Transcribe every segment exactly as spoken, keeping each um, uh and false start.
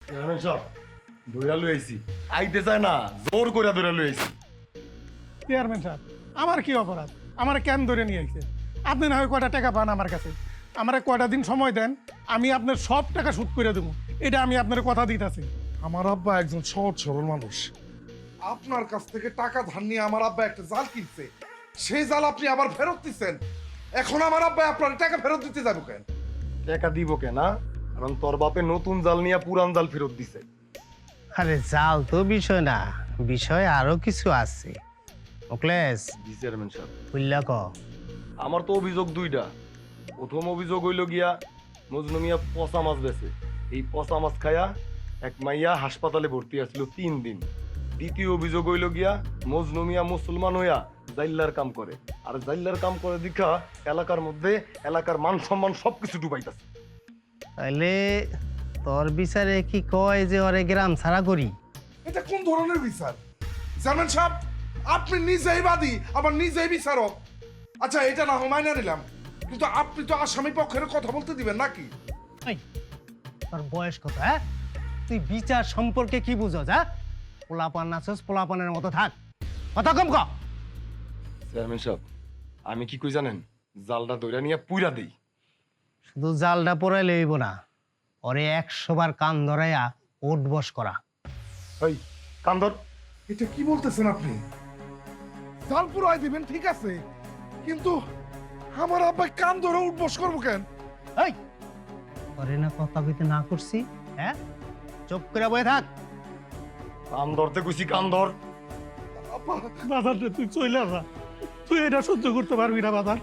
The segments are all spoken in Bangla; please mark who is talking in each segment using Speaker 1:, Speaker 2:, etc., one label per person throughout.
Speaker 1: চেয়ারম্যান সাহেব ধইরা লই আইছি। আইতে চায় না, জোর করে ধইরা লই আইছি।
Speaker 2: চেয়ারম্যান সাহেব আমার কি অপরাধ? আমার কেন ধরে নিয়ে আইছে? আপনি না হয় কয়টা টাকা পান আমার কাছে, আমার কয়টা দিন সময় দেন, আমি আপনার সব টাকা শোধ করে দেবো। এটা আমি আপনার কথা দিতেছি।
Speaker 3: আমার আব্বা একজন সহজ সরল মানুষ। আপনার কাছ থেকে টাকা ধার নিয়ে আমার আব্বা একটা জাল কিনছে, সেই জাল আপনি আবার ফেরত দিচ্ছেন। এখন আমার আব্বা আপনার টাকা ফেরত দিতে যাবো কেন?
Speaker 1: টাকা দিব কেনা? কারণ তোর বাপে নতুন জাল নিয়ে পুরান জাল ফেরত দিছে।
Speaker 4: আরে জাল তো বিষয় না, বিষয় আরো কিছু আছে। অকলেশ
Speaker 1: জি চেয়ারম্যান সাহেব।
Speaker 4: বুঝলা ক
Speaker 1: আমার তো অভিযোগ দুইটা। প্রথম অভিযোগ হইল গিয়া মজনু মিয়া পচা মাছ বেছে। এই পচা মাছ খায়া এক মাইয়া হাসপাতালে ভর্তি আছিল তিন দিন। দ্বিতীয় অভিযোগ হইল গিয়া মজনু মিয়া মুসলমান হইয়া জাইল্লার কাম করে, আর জাইল্লার কাম করে দেখা এলাকার মধ্যে এলাকার মান সম্মান সবকিছু ডুবাইতাছে।
Speaker 4: তাইলে তোর বিচারে কি কয় যে ওরে গ্রাম ছাড়া করি?
Speaker 3: এটা কোন ধরনের বিচার চেয়ারম্যান সাহেব? আপনি নিজেই বাদী আবার নিজেই বিচারক। আচ্ছা এটা না হয় মাইনা নিলাম, কিন্তু আপনি তো আসামি পক্ষের কথা বলতে দিবেন নাকি?
Speaker 4: এই, তোর বয়স কত? হ্যাঁ, তুই বিচার সম্পর্কে কি বুঝো? যা পোলাপান নাচস, পোলাপানের মতো থাক, কথা কম ক।
Speaker 1: চেয়ারম্যান সাহেব আমি কি কই জানেন? জালটা দইরা নিয়ে পুইরা দেই।
Speaker 4: শুধু জালটা পড়াইলে হইব না, ওরে একশো বার কান ধরাইয়া ওঠ বস করা।
Speaker 1: ওই কান্দর।
Speaker 3: এটা কি বলতেছেন আপনি? জাল পুরাই দিবেন ঠিক আছে, কিন্তু আমার আব্বা কান ধরে উঠবস করবো কেন?
Speaker 4: এই, ওরে না কথা কইতে না করছি? হ্যাঁ, চুপ করে বয়ে থাক।
Speaker 1: কান ধরতে কইছি, কান ধর।
Speaker 3: আব্বা
Speaker 2: বাজার রে, তুই চইলা যা, তুই এটা সহ্য করতে পারবি না বাজার,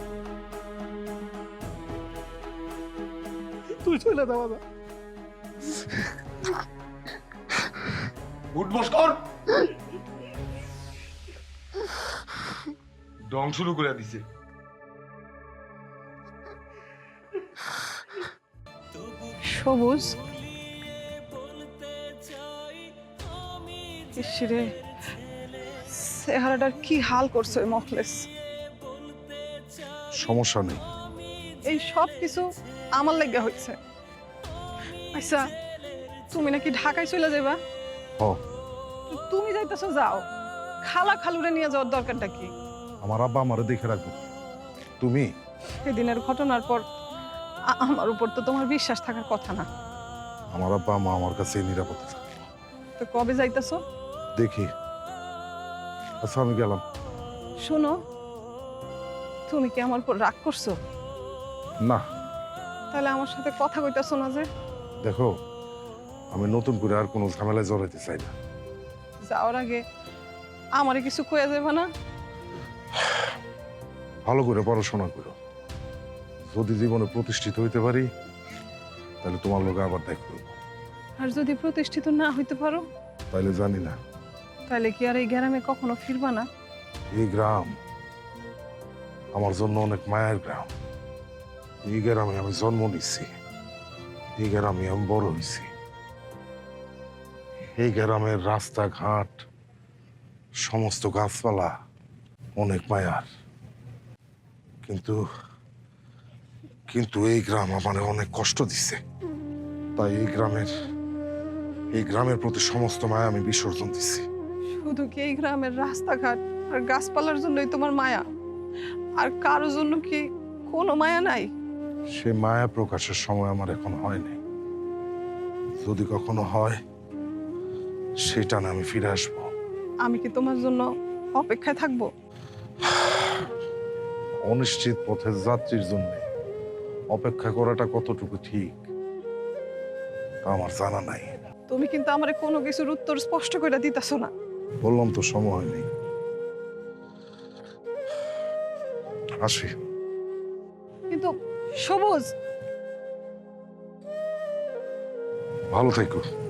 Speaker 2: তুই চলে যা বাজার।
Speaker 1: উঠবস কর। ডং শুরু করে দিছে।
Speaker 5: সবুজ, ইসরে চেহারাটার কি হাল করছে ওই মখলেস।
Speaker 3: সমস্যা নেই,
Speaker 5: এই সব কিছু আমার লেগে হচ্ছে। আচ্ছা, তুমি নাকি ঢাকায় চলে যাবা?
Speaker 3: ও
Speaker 5: তো তুমি যাইতেছো, যাও, খালা খালুরে নিয়ে যাওয়ার দরকারটা কি?
Speaker 3: আমার আব্বা আমারে দেখে রাখবো। তুমি
Speaker 5: সেদিনের ঘটনার পর আ- আমার উপর তো তোমার বিশ্বাস থাকার কথা না।
Speaker 3: আমার আব্বা মা আমার কাছে নিরাপদে থাকবো।
Speaker 5: তো কবে যাইতেছো?
Speaker 3: দেখি। আচ্ছা আমি গেলাম।
Speaker 5: শোনো, তুমি কি আমার উপর রাগ করছো?
Speaker 3: না
Speaker 5: তাহলে আমার সাথে কথা কইতাছো না যে?
Speaker 3: দেখো, আমি নতুন করে আর কোনো ঝামেলায় জড়াইতে চাই না।
Speaker 5: যাওয়ার আগে আমারে কিছু কইয়া যাবে না?
Speaker 3: ভালো করে পড়াশোনা করো, যদি জীবনে প্রতিষ্ঠিত হইতে পারি তাহলে তোমার লোকে আবার দেখ করবো।
Speaker 5: আর যদি প্রতিষ্ঠিত না হইতে পারো,
Speaker 3: তাইলে জানি না।
Speaker 5: তাহলে কি আর এই গ্রামে কখনো ফিরবা না?
Speaker 3: এই গ্রাম আমার জন্য অনেক মায়ের গ্রাম। এই গ্রামে আমি জন্ম নিচ্ছি, এই গ্রামে আমি বড় হয়েছি। এই গ্রামের রাস্তাঘাট, সমস্ত গাছপালা অনেক মায়ার, কিন্তু কিন্তু এই গ্রাম আমার অনেক কষ্ট দিচ্ছে। তাই এই গ্রামের এই গ্রামের প্রতি সমস্ত মায়া আমি বিসর্জন দিচ্ছি।
Speaker 5: শুধু কি এই গ্রামের রাস্তাঘাট আর গাছপালার জন্যই তোমার মায়া? আর কারোর জন্য কি কোনো মায়া নাই?
Speaker 3: সে মায়া প্রকাশের সময় আমার এখন হয়নি। যদি কখনো হয় সেটা না আমি ফিরে আসবো।
Speaker 5: আমি কি তোমার জন্য অপেক্ষায় থাকবো?
Speaker 3: অনিশ্চিত পথের যাত্রীর জন্য অপেক্ষা করাটা কতটুকু ঠিক তা আমার জানা নাই।
Speaker 5: তুমি কিন্তু আমারে কোনো কিছুর উত্তর স্পষ্ট করে দিতেছো না।
Speaker 3: বললাম তো সময় নেই। আসি।
Speaker 5: কিন্তু সবুজ,
Speaker 3: ভালো থেকো।